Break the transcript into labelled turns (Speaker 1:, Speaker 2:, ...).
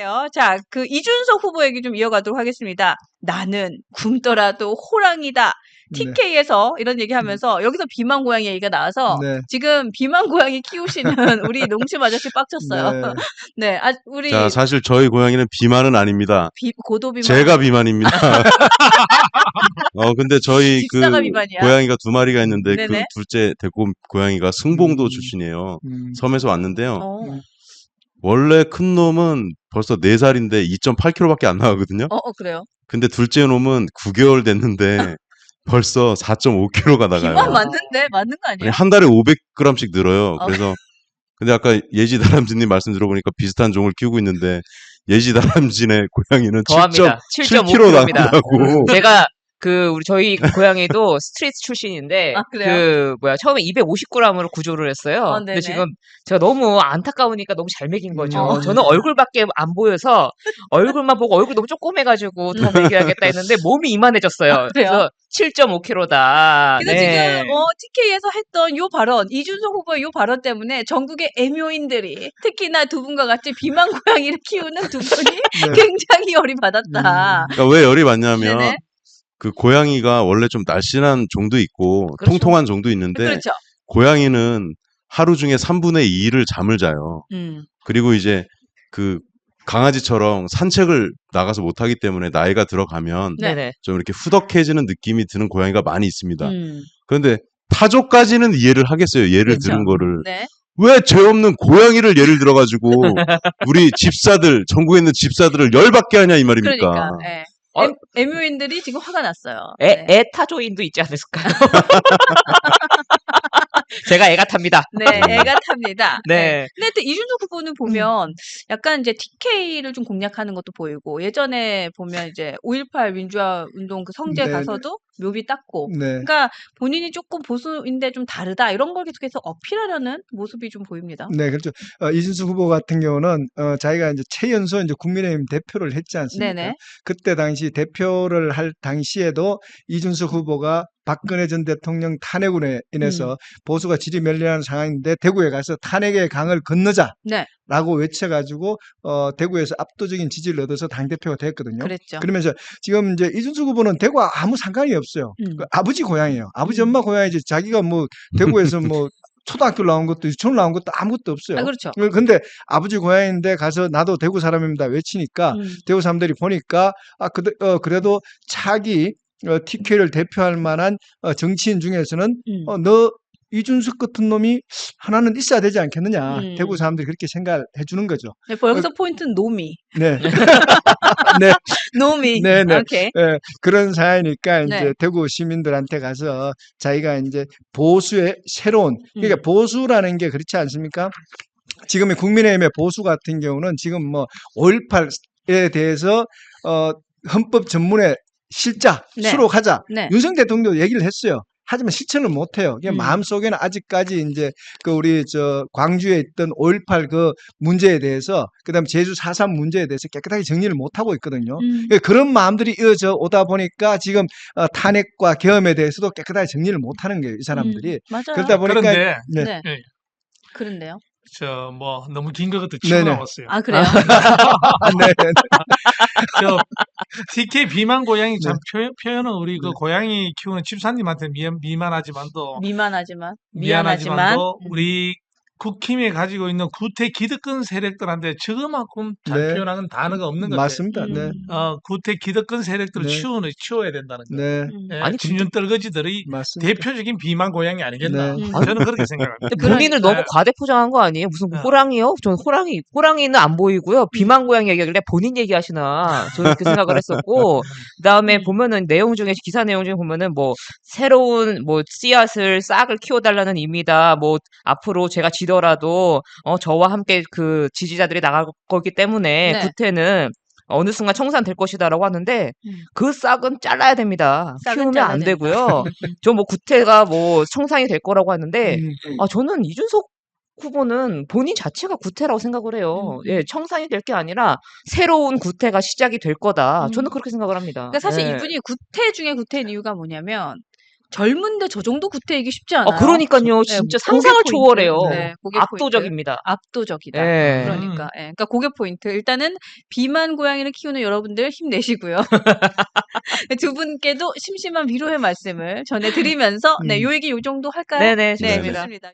Speaker 1: 그래요. 자, 그 이준석 후보 얘기 좀 이어가도록 하겠습니다. 나는 굶더라도 호랑이다.
Speaker 2: 네.
Speaker 1: TK에서 이런 얘기하면서 여기서 비만 고양이 얘기가 나와서
Speaker 2: 네.
Speaker 1: 지금 비만 고양이 키우시는 우리 농심 아저씨 빡쳤어요.
Speaker 2: 네.
Speaker 1: 네,
Speaker 3: 자,
Speaker 1: 우리
Speaker 3: 사실 저희 고양이는 비만은 아닙니다.
Speaker 1: 고도 비만.
Speaker 3: 제가 비만입니다. 근데 저희 그
Speaker 1: 집사가 비만이야.
Speaker 3: 고양이가 두 마리가 있는데 그
Speaker 1: 네네.
Speaker 3: 둘째 데리고 온 고양이가 승봉도 출신이에요. 섬에서 왔는데요. 원래 큰 놈은 벌써 4살인데 2.8kg밖에 안 나가거든요.
Speaker 1: 그래요.
Speaker 3: 근데 둘째 놈은 9개월 됐는데 벌써 4.5kg가 나가요.
Speaker 1: 비만 맞는데? 맞는 거
Speaker 3: 아니,
Speaker 1: 아니에요?
Speaker 3: 한 달에 500g씩 늘어요. 그래서 근데 아까 예지 다람쥐님 말씀 들어보니까 비슷한 종을 키우고 있는데 예지 다람쥐네 고양이는
Speaker 4: 더합니다.
Speaker 3: 7.7kg
Speaker 4: 7.5kg입니다.
Speaker 3: 나간다고.
Speaker 4: 제가 저희 고양이도 스트리트 출신인데
Speaker 1: 그래요?
Speaker 4: 처음에 250g으로 구조를 했어요.
Speaker 1: 네네.
Speaker 4: 근데 지금 제가 너무 안타까우니까 너무 잘 먹인 거죠.
Speaker 1: 음.
Speaker 4: 저는 얼굴밖에 안 보여서 얼굴만 보고 얼굴 너무 조그매가지고 더 먹여야겠다 했는데 몸이 이만해졌어요.
Speaker 1: 그래요?
Speaker 4: 그래서 7.5kg다.
Speaker 1: 그래서 지금 TK에서 했던 요 발언, 이준석 후보의 요 발언 때문에 전국의 애묘인들이 특히나 두 분과 같이 비만 고양이를 키우는 두 분이 굉장히 열이 받았다.
Speaker 3: 그러니까 왜 열이 받냐면
Speaker 1: 네네.
Speaker 3: 그 고양이가 원래 좀 날씬한 종도 있고
Speaker 4: 그렇죠.
Speaker 3: 통통한 종도 있는데
Speaker 1: 그렇죠.
Speaker 3: 고양이는 하루 중에 3분의 2를 잠을 자요. 그리고 이제 그 강아지처럼 산책을 나가서 못하기 때문에 나이가 들어가면
Speaker 4: 네네.
Speaker 3: 좀 이렇게 후덕해지는 느낌이 드는 고양이가 많이 있습니다.
Speaker 1: 음.
Speaker 3: 그런데 타조까지는 이해를 하겠어요. 예를
Speaker 1: 그렇죠.
Speaker 3: 들은 거를.
Speaker 1: 네.
Speaker 3: 왜 죄 없는 고양이를 예를 들어가지고 우리 집사들, 전국에 있는 집사들을 열받게 하냐 이 말입니까?
Speaker 1: 그러니까. 예. 애묘인들이 지금 화가 났어요.
Speaker 4: 애타조인도 있지 않을까요? 제가 애가 탑니다.
Speaker 1: 네, 애가 탑니다.
Speaker 4: 네.
Speaker 1: 근데 또 이준석 후보는 보면 약간 이제 TK를 좀 공략하는 것도 보이고 예전에 보면 이제 5.18 민주화 운동 그 성제
Speaker 2: 네,
Speaker 1: 가서도 묘비 닦고
Speaker 2: 네.
Speaker 1: 그러니까 본인이 조금 보수인데 좀 다르다 이런 걸 계속해서 어필하려는 모습이 좀 보입니다.
Speaker 2: 네, 그렇죠. 이준석 후보 같은 경우는 자기가 이제 최연소 이제 국민의힘 대표를 했지 않습니까?
Speaker 1: 네네.
Speaker 2: 그때 당시 대표를 할 당시에도 이준석 후보가 박근혜 전 대통령 탄핵으로 인해서 보수가 지리멸렬한 상황인데 대구에 가서 탄핵의 강을 건너자라고
Speaker 1: 네,
Speaker 2: 외쳐가지고 대구에서 압도적인 지지를 얻어서 당 대표가 됐거든요.
Speaker 1: 그랬죠.
Speaker 2: 그러면서 지금 이제 이준석 후보는 대구와 아무 상관이 없어요. 그 아버지 고향이에요. 아버지 엄마 고향이지 자기가 뭐 대구에서 뭐 초등학교 나온 것도 유치원 나온 것도 아무것도 없어요.
Speaker 1: 그렇죠.
Speaker 2: 근데 아버지 고향인데 가서 나도 대구 사람입니다 외치니까 대구 사람들이 보니까 그래도 차기 TK를 대표할 만한 정치인 중에서는 너 이준석 같은 놈이 하나는 있어야 되지 않겠느냐. 대구 사람들이 그렇게 생각해 주는 거죠.
Speaker 1: 네, 여기서 포인트는 노미.
Speaker 2: 네. 네.
Speaker 1: 노미.
Speaker 2: 네, 네.
Speaker 1: 오케이.
Speaker 2: 네, 그런 사회니까 이제
Speaker 1: 네.
Speaker 2: 대구 시민들한테 가서 자기가 이제 보수의 새로운 그러니까 보수라는 게 그렇지 않습니까? 지금의 국민의힘의 보수 같은 경우는 지금 뭐 5.18에 대해서 헌법 전문에 실자
Speaker 1: 네.
Speaker 2: 수록하자
Speaker 1: 네.
Speaker 2: 윤석열 대통령도 얘기를 했어요. 하지만 실천을 못 해요. 그냥 마음속에는 아직까지 이제 그 우리 광주에 있던 5.18 그 문제에 대해서 그다음에 제주 4.3 문제에 대해서 깨끗하게 정리를 못 하고 있거든요. 그러니까 그런 마음들이 이어져 오다 보니까 지금 탄핵과 계엄에 대해서도 깨끗하게 정리를 못 하는 거예요. 이 사람들이.
Speaker 1: 맞아요.
Speaker 2: 그러다 보니까
Speaker 5: 그런데
Speaker 2: 네.
Speaker 1: 네.
Speaker 5: 예,
Speaker 1: 그런데요.
Speaker 5: 뭐 너무 긴 것 같아 치고
Speaker 2: 네네.
Speaker 5: 나왔어요.
Speaker 1: 아, 그래요?
Speaker 2: 네, 네,
Speaker 5: 저 TK 비만 고양이 참 표현은 우리 그 고양이 키우는 집사님한테 미안하지만도
Speaker 1: 미안하지만
Speaker 5: 우리 국힘에 가지고 있는 구태 기득권 세력들한테 저만큼 잘
Speaker 2: 네.
Speaker 5: 표현하는 단어가 없는 것 같아요.
Speaker 2: 맞습니다. 네.
Speaker 5: 구태 기득권 세력들을
Speaker 2: 네.
Speaker 5: 치워야 된다는 거.
Speaker 2: 네.
Speaker 5: 예,
Speaker 4: 아니,
Speaker 5: 친윤 떨거지들이
Speaker 2: 맞습니다.
Speaker 5: 대표적인 비만 고양이 아니겠나.
Speaker 2: 네.
Speaker 5: 저는 그렇게 생각합니다.
Speaker 4: 근데 본인을
Speaker 5: 그러니까.
Speaker 4: 너무 과대 포장한 거 아니에요? 무슨
Speaker 5: 네.
Speaker 4: 호랑이요? 전 호랑이는 안 보이고요. 비만 고양이 얘기하길래 본인 얘기하시나. 저는 그렇게 생각을 했었고, 그 다음에 보면은 기사 내용 중에 보면은 뭐, 새로운 뭐, 싹을 키워달라는 의미다. 뭐, 앞으로 제가 지더라도, 저와 함께 그 지지자들이 나갈 거기 때문에,
Speaker 1: 네.
Speaker 4: 구태는 어느 순간 청산될 것이다라고 하는데 그 싹은 잘라야 됩니다.
Speaker 1: 싹은
Speaker 4: 키우면
Speaker 1: 잘라야
Speaker 4: 안
Speaker 1: 된다.
Speaker 4: 되고요. 저 뭐 구태가 뭐 청산이 될 거라고 하는데 저는 이준석 후보는 본인 자체가 구태라고 생각을 해요. 예, 청산이 될 게 아니라 새로운 구태가 시작이 될 거다. 저는 그렇게 생각을 합니다.
Speaker 1: 그러니까 사실
Speaker 4: 예.
Speaker 1: 이분이 구태 중에 구태인 이유가 뭐냐면 젊은데 저 정도 구태이기 쉽지 않아요.
Speaker 4: 그러니까요.
Speaker 1: 네,
Speaker 4: 진짜
Speaker 1: 그게
Speaker 4: 상상을
Speaker 1: 포인트.
Speaker 4: 초월해요.
Speaker 1: 네, 그게
Speaker 4: 압도적입니다.
Speaker 1: 압도적이다.
Speaker 4: 예.
Speaker 1: 그러니까, 그러니까 그게 포인트. 일단은 비만 고양이를 키우는 여러분들 힘내시고요. 두 분께도 심심한 위로의 말씀을 전해드리면서 네, 요 얘기 요 정도 할까요?
Speaker 4: 네네,
Speaker 1: 네,
Speaker 4: 좋습니다.
Speaker 1: 좋습니다.